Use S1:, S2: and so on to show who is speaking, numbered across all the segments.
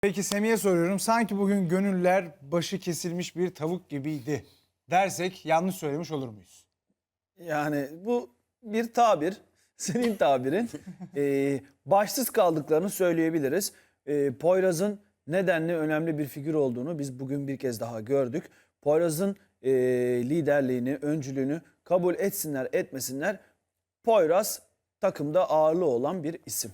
S1: Peki Semih'e soruyorum. Sanki bugün gönüller başı kesilmiş bir tavuk gibiydi dersek yanlış söylemiş olur muyuz?
S2: Yani bu bir tabir, senin tabirin. Başsız kaldıklarını söyleyebiliriz. Poyraz'ın nedenli önemli bir figür olduğunu biz bugün bir kez daha gördük. Poyraz'ın liderliğini, öncülüğünü kabul etsinler etmesinler. Poyraz takımda ağırlığı olan bir isim.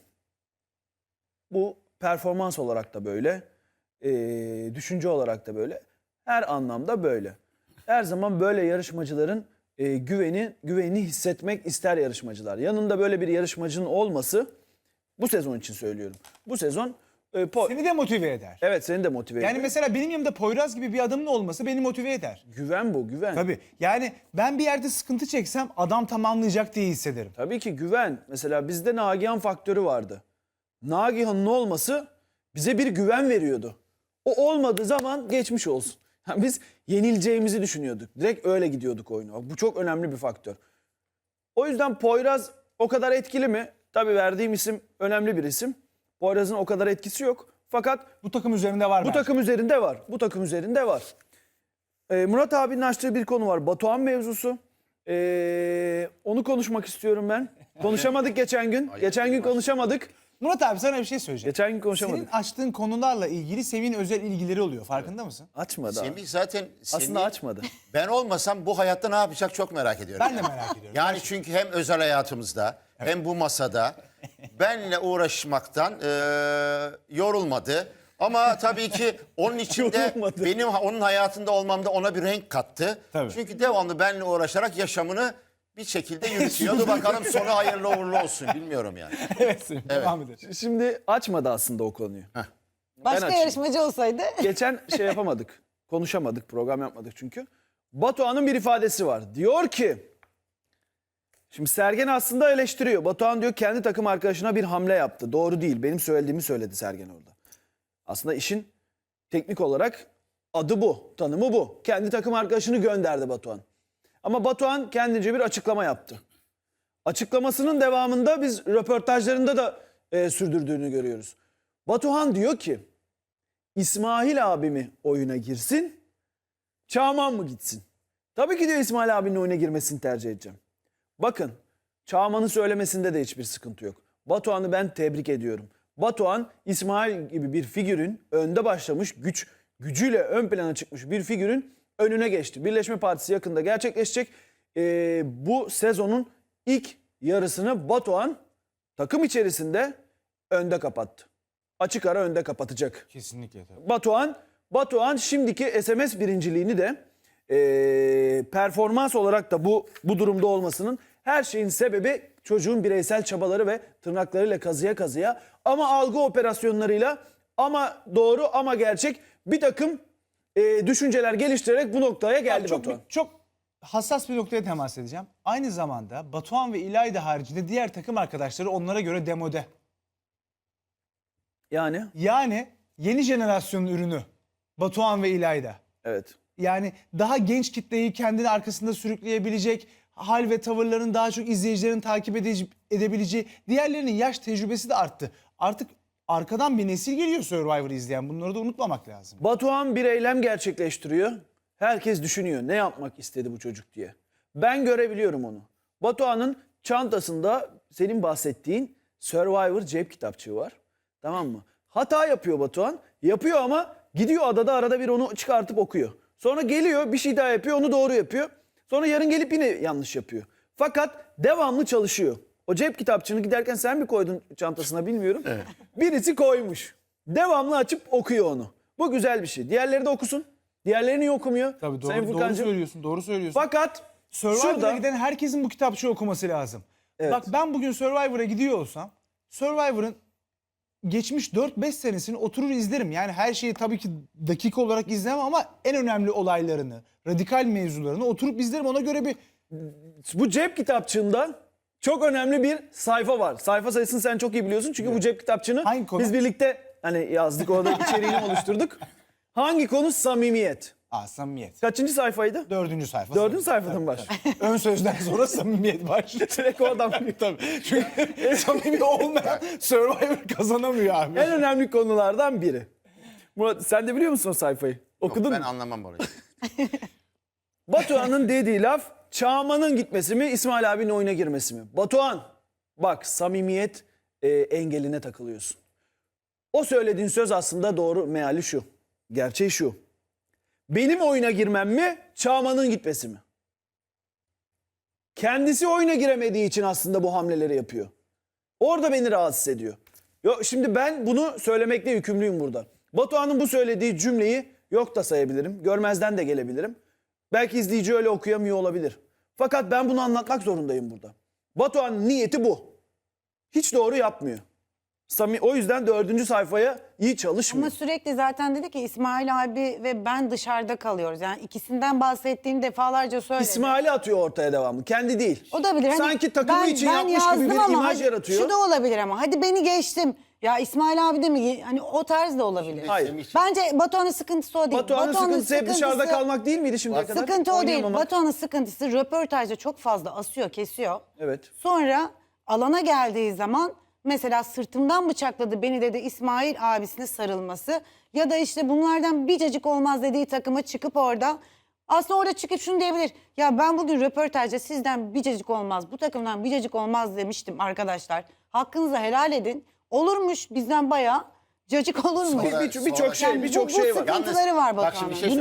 S2: Bu performans olarak da böyle, düşünce olarak da böyle, her anlamda böyle. Her zaman böyle yarışmacıların güvenini hissetmek ister yarışmacılar. Yanında böyle bir yarışmacının olması, bu sezon için söylüyorum. Bu sezon
S1: Seni de motive eder.
S2: evet, seni de motive ediyor.
S1: Yani mesela benim yanımda Poyraz gibi bir adamın olması beni motive eder.
S2: Güven bu, güven.
S1: Tabii. Yani ben bir yerde sıkıntı çeksem adam tamamlayacak diye hissederim.
S2: Tabii ki güven. Mesela bizde Nagihan faktörü vardı. Nagihan'ın olması bize bir güven veriyordu. O olmadığı zaman geçmiş olsun. Yani biz yenileceğimizi düşünüyorduk. Direkt öyle gidiyorduk oyuna. Bu çok önemli bir faktör. O yüzden Poyraz o kadar etkili mi? Tabii verdiğim isim önemli bir isim. Poyraz'ın o kadar etkisi yok. Fakat
S1: Bu takım üzerinde var
S2: bu
S1: bence.
S2: takım üzerinde var. Bu takım üzerinde var. Murat abinin açtığı bir konu var. Batuhan mevzusu. Onu konuşmak istiyorum ben. Konuşamadık geçen gün. Geçen gün konuşamadık.
S1: Murat abi sana bir şey söyleyeceğim.
S2: Geçen gün konuşamadık.
S1: Senin açtığın konularla ilgili Semih'in özel ilgileri oluyor. Farkında mısın?
S2: Açmadı abi.
S3: Semih zaten
S2: Aslında açmadı.
S3: ben olmasam bu hayatta ne yapacak çok merak ediyorum.
S1: Ben de merak ediyorum.
S3: Yani çünkü hem özel hayatımızda hem bu masada benle uğraşmaktan yorulmadı. Ama tabii ki onun içinde
S2: Yorulmadı.
S3: benim onun hayatında olmamda ona bir renk kattı.
S1: Tabii.
S3: Çünkü devamlı benle uğraşarak yaşamını bir şekilde yürütüyordu. Bakalım sonu hayırlı uğurlu olsun bilmiyorum yani.
S1: Evet Semih. Devam edelim.
S2: Şimdi açmadı aslında o konuyu.
S4: Başka
S2: açayım.
S4: yarışmacı olsaydı.
S2: Geçen şey yapamadık. Konuşamadık, program yapmadık çünkü. Batuhan'ın bir ifadesi var. Diyor ki, şimdi Sergen aslında eleştiriyor. Batuhan diyor kendi takım arkadaşına bir hamle yaptı. Doğru değil. Benim söylediğimi söyledi Sergen orada. Aslında işin teknik olarak adı bu, tanımı bu. Kendi takım arkadaşını gönderdi Batuhan. Ama Batuhan kendince bir açıklama yaptı. Açıklamasının devamında biz röportajlarında da sürdürdüğünü görüyoruz. Batuhan diyor ki, İsmail abimi oyuna girsin, Çağman mı gitsin? Tabii ki diyor İsmail abinin oyuna girmesini tercih edeceğim. Bakın, Çağman'ın söylemesinde de hiçbir sıkıntı yok. Batuhan'ı ben tebrik ediyorum. Batuhan, İsmail gibi bir figürün önde başlamış, gücüyle ön plana çıkmış bir figürün önüne geçti. Birleşme Partisi yakında gerçekleşecek. Bu sezonun ilk yarısını Batuhan takım içerisinde önde kapattı. Açık ara önde kapatacak.
S1: Kesinlikle tabii.
S2: Batuhan şimdiki SMS birinciliğini de performans olarak da bu durumda olmasının her şeyin sebebi çocuğun bireysel çabaları ve tırnaklarıyla kazıya kazıya ama algı operasyonlarıyla ama doğru ama gerçek bir takım düşünceler geliştirerek bu noktaya geldi Batuhan.
S1: Çok hassas bir noktaya temas edeceğim. Aynı zamanda Batuhan ve İlayda haricinde diğer takım arkadaşları onlara göre demode. Yani yeni jenerasyonun ürünü Batuhan ve İlayda.
S2: Evet.
S1: Yani daha genç kitleyi kendini arkasında sürükleyebilecek, hal ve tavırların daha çok izleyicilerin takip edebileceği, diğerlerinin yaş tecrübesi de arttı. Artık arkadan bir nesil geliyor Survivor'ı izleyen. Bunları da unutmamak lazım.
S2: Batuhan bir eylem gerçekleştiriyor. Herkes düşünüyor ne yapmak istedi bu çocuk diye. Ben görebiliyorum onu. Batuhan'ın çantasında senin bahsettiğin Survivor cep kitapçığı var. Tamam mı? Hata yapıyor Batuhan. Yapıyor ama gidiyor adada arada bir onu çıkartıp okuyor. Sonra geliyor bir şey daha yapıyor, onu doğru yapıyor. Sonra yarın gelip yine yanlış yapıyor. Fakat devamlı çalışıyor. O cep kitapçığını giderken sen mi koydun çantasına bilmiyorum. Evet. Birisi koymuş. Devamlı açıp okuyor onu. Bu güzel bir şey. Diğerleri de okusun. Diğerleri niye okumuyor?
S1: Tabii
S2: Sayın
S1: doğru
S2: Furkancığım.
S1: söylüyorsun, doğru söylüyorsun.
S2: Fakat
S1: Survivor'a
S2: şurada
S1: giden herkesin bu kitapçığı okuması lazım.
S2: Evet.
S1: Bak ben bugün Survivor'a gidiyor olsam Survivor'ın geçmiş 4-5 senesini oturur izlerim. Yani her şeyi tabii ki dakika olarak izlemem ama en önemli olaylarını, radikal mevzularını oturup izlerim. Ona göre bir
S2: bu cep kitapçığında çok önemli bir sayfa var. Sayfa sayısını sen çok iyi biliyorsun. Çünkü bu cep kitapçığını
S1: Hangi konu?
S2: biz birlikte hani yazdık, orada içeriğini oluşturduk. Hangi konu? Samimiyet.
S1: samimiyet.
S2: Kaçıncı sayfaydı?
S1: 4. sayfa.
S2: Dördüncü sayfadan mı var?
S1: Ön sözden sonra samimiyet başlıyor.
S2: Direkt oradan.
S1: Tabii. Çünkü samimi olmayan Survivor kazanamıyor abi.
S2: En önemli konulardan biri. Murat sen de biliyor musun o sayfayı? Okudun
S3: Ben
S2: mu?
S3: anlamam orayı.
S2: Batuhan'ın dediği laf Çağman'ın gitmesi mi İsmail abinin oyuna girmesi mi? Batuhan bak samimiyet engeline takılıyorsun. O söylediğin söz aslında doğru meali şu. Gerçeği şu. Benim oyuna girmem mi Çağman'ın gitmesi mi? Kendisi oyuna giremediği için aslında bu hamleleri yapıyor. Orada beni rahatsız ediyor. Şimdi ben bunu söylemekle yükümlüyüm burada. Batuhan'ın bu söylediği cümleyi yok da sayabilirim. Görmezden de gelebilirim. Belki izleyici öyle okuyamıyor olabilir. Fakat ben bunu anlatmak zorundayım burada. Batuhan'ın niyeti bu. Hiç doğru yapmıyor. O yüzden 4. sayfaya iyi çalışmıyor.
S4: Ama sürekli zaten dedi ki İsmail abi ve ben dışarıda kalıyoruz. Yani ikisinden bahsettiğini defalarca söyledi.
S2: İsmail'i atıyor ortaya devamlı. Kendi değil.
S4: O da bilir. Hani
S2: Sanki takımı için yapmış gibi
S4: yazdım
S2: bir
S4: ama
S2: imaj
S4: hadi
S2: yaratıyor.
S4: Şu da olabilir ama hadi beni geçtim. Ya İsmail abi de mi? Hani o tarz da olabilir.
S2: Hayır.
S4: Bence Batuhan'ın sıkıntısı o değil.
S2: Batuhan'ın sıkıntısı hep dışarıda kalmak değil miydi şimdiye kadar?
S4: Sıkıntı o değil.
S2: Oynayamamak.
S4: Batuhan'ın sıkıntısı röportajda çok fazla asıyor, kesiyor.
S2: Evet.
S4: Sonra alana geldiği zaman mesela sırtımdan bıçakladı beni dedi İsmail abisine sarılması. Ya da işte bunlardan bir cacık olmaz dediği takıma çıkıp orada aslında orada çıkıp şunu diyebilir. Ya ben bugün röportajda sizden bir cacık olmaz, bu takımdan bir cacık olmaz demiştim arkadaşlar. Hakkınızı helal edin. Olurmuş bizden bayağı cacık olurmuş.
S2: Birçok şey, birçok şey var.
S4: Sıkıntıları var
S3: bak şimdi
S4: Batuhan'ın.
S3: bir şey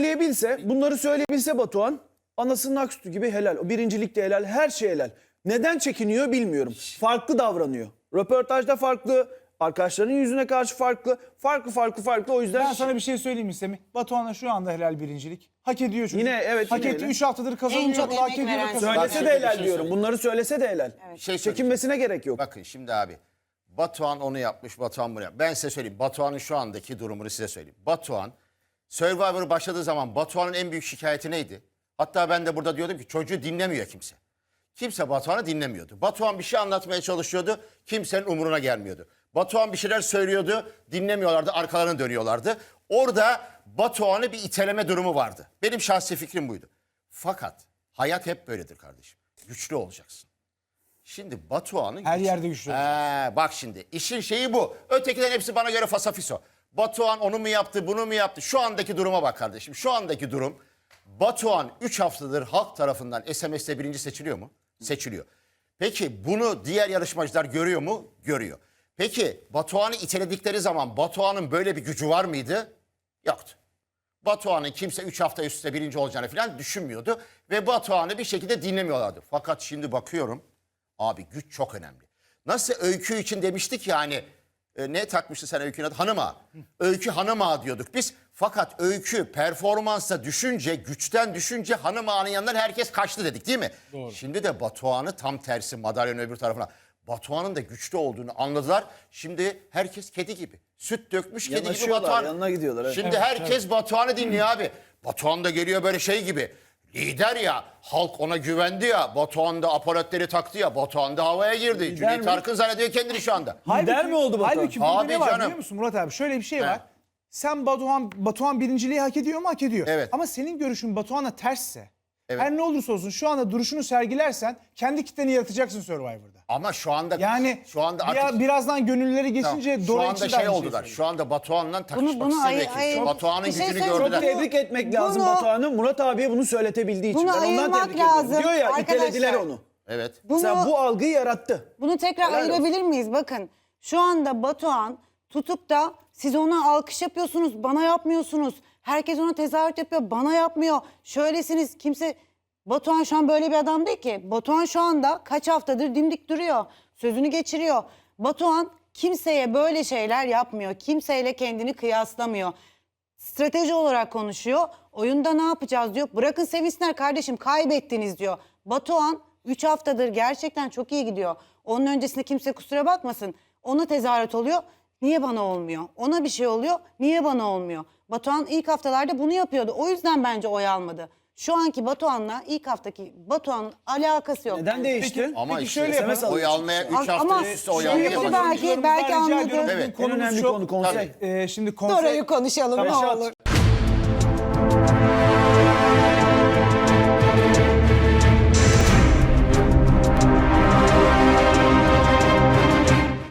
S2: Bunları söyleyebilse Batuhan anasının aksutu gibi helal. O birincilikte helal, her şey helal. Neden çekiniyor bilmiyorum. Farklı davranıyor. Röportajda farklı, arkadaşlarının yüzüne karşı farklı. Farklı o yüzden...
S1: Ben sana bir şey söyleyeyim mi Semih? Batuhan'a şu anda helal birincilik. Hak ediyor çocuk.
S2: Yine evet,
S1: Hak
S2: yine
S1: etti.
S2: öyle.
S1: 3 haftadır kazanıyor.
S4: En çok
S1: hak
S4: emek
S1: ediyor
S4: veren
S1: da kazanıyor.
S3: Bak
S2: Söylese
S3: şimdi
S2: de
S3: bir
S2: helal
S3: şey
S2: diyorum.
S3: söyleyeyim.
S2: Bunları söylese de helal.
S3: Şey
S2: Çekinmesine gerek yok.
S3: Bakın şimdi abi. Batuhan onu yapmış, Batuhan bunu yapmış. Ben size söyleyeyim. Batuhan'ın şu andaki durumunu size söyleyeyim. Batuhan, Survivor başladığı zaman Batuhan'ın en büyük şikayeti neydi? Hatta ben de burada diyordum ki çocuğu dinlemiyor kimse. Kimse Batuhan'ı dinlemiyordu. Batuhan bir şey anlatmaya çalışıyordu. Kimsenin umuruna gelmiyordu. Batuhan bir şeyler söylüyordu. Dinlemiyorlardı. Arkalarına dönüyorlardı. Orada Batuhan'ı bir iteleme durumu vardı. Benim şahsi fikrim buydu. Fakat hayat hep böyledir kardeşim. Güçlü olacaksın. Şimdi Batuhan'ın...
S1: Her yerde güçlü
S3: Bak şimdi işin şeyi bu. Ötekilerin hepsi bana göre fasafiso. Batuhan onu mu yaptı, bunu mu yaptı? Şu andaki duruma bak kardeşim. Şu andaki durum Batuhan 3 haftadır halk tarafından SMS'te birinci seçiliyor mu? Seçiliyor. Peki bunu diğer yarışmacılar görüyor mu? Görüyor. Peki Batuhan'ı iteledikleri zaman Batuhan'ın böyle bir gücü var mıydı? Yoktu. Batuhan'ın kimse 3 hafta üst üste birinci olacağını falan düşünmüyordu. Ve Batuhan'ı bir şekilde dinlemiyorlardı. Fakat şimdi bakıyorum abi güç çok önemli. Nasıl Öykü için demiştik ya hani ne takmıştı sen Öykü'nün adı? Hanım Ağa. Öykü Hanım Ağa diyorduk biz. Fakat Öykü performansa düşünce, güçten düşünce Hanım Ağa'nın yanından herkes kaçtı dedik değil mi? Doğru. Şimdi de Batuhan'ı tam tersi madalyonun öbür tarafına. Batuhan'ın da güçlü olduğunu anladılar. Şimdi herkes kedi gibi. Süt dökmüş kedi gibi
S2: Yanaşıyorlar,
S3: Batuhan.
S2: yanına gidiyorlar, evet.
S3: Şimdi herkes Batuhan'ı dinliyor abi. Batuhan da geliyor böyle şey gibi. Lider ya, halk ona güvendi ya, Batuhan da aparatları taktı ya, Batuhan da havaya girdi.
S2: mi?
S3: Cüneyt Arkın zannediyor kendini şu anda.
S2: Lider mi oldu Batuhan?
S1: Halbuki burada
S3: Abi
S1: ne var
S3: canım.
S1: biliyor musun Murat abi? Şöyle bir şey var. Sen Batuhan birinciliği hak ediyor mu? Hak ediyor.
S3: Evet.
S1: Ama senin görüşün Batuhan'a tersse,
S3: Evet.
S1: her ne olursa olsun şu anda duruşunu sergilersen kendi kitleni yaratacaksın Survivor'da.
S3: Ama şu anda
S1: Yani
S3: şu anda artık
S1: birazdan gönülleri geçince
S3: şu
S1: Dora
S3: anda
S1: için de
S3: şey
S1: aynı şeyi
S3: oldular.
S1: söylüyor.
S3: Şu anda Batuhan'la takışmak
S4: bunu
S3: istemiyor
S4: ayır-
S3: kimse. Batuhan'ın
S4: bir şey
S3: gücünü
S4: söyleyeyim.
S3: gördüler.
S2: Tebrik etmek lazım
S4: Bunu-
S2: Batuhan'ı. Murat abiye bunu söyletebildiği için.
S4: Bunu
S2: Ben ondan
S4: ayırmak
S2: tebrik ediyorum.
S4: lazım.
S2: Diyor ya
S4: Arkadaşlar,
S2: itelediler onu.
S3: Evet.
S2: Mesela bu algıyı yarattı.
S4: Bunu tekrar
S2: Helal olsun.
S4: ayırabilir miyiz? Bakın şu anda Batuhan tutup da siz ona alkış yapıyorsunuz, bana yapmıyorsunuz. Herkes ona tezahürat yapıyor, bana yapmıyor. Şöylesiniz kimse... Batuhan şu an böyle bir adam değil ki. Batuhan şu anda kaç haftadır dimdik duruyor. Sözünü geçiriyor. Batuhan kimseye böyle şeyler yapmıyor. Kimseyle kendini kıyaslamıyor. Strateji olarak konuşuyor. Oyunda ne yapacağız diyor. Bırakın sevinsinler kardeşim kaybettiniz diyor. Batuhan 3 haftadır gerçekten çok iyi gidiyor. Onun öncesinde kimse kusura bakmasın. Ona tezahürat oluyor. Niye bana olmuyor? Ona bir şey oluyor. Niye bana olmuyor? Batuhan ilk haftalarda bunu yapıyordu. O yüzden bence oy almadı. Şu anki Batuhan'la ilk haftaki Batuhan'ın alakası yok.
S2: Neden değişti?
S3: Ama
S1: Peki
S3: işte
S1: şöyle yapalım.
S3: oy almaya 3 hafta
S4: Ama
S3: üst üste oy
S4: şöyle
S3: almaya
S4: bir
S3: başladı.
S4: belki
S1: Yorumcularımızdan rica
S4: anladı.
S1: ediyorum.
S3: Evet.
S1: Konumuz
S2: En önemli
S1: çok-
S2: konu konsept.
S1: Şimdi konsept...
S4: Dora'yı konuşalım ne
S1: Reşat,
S4: olur.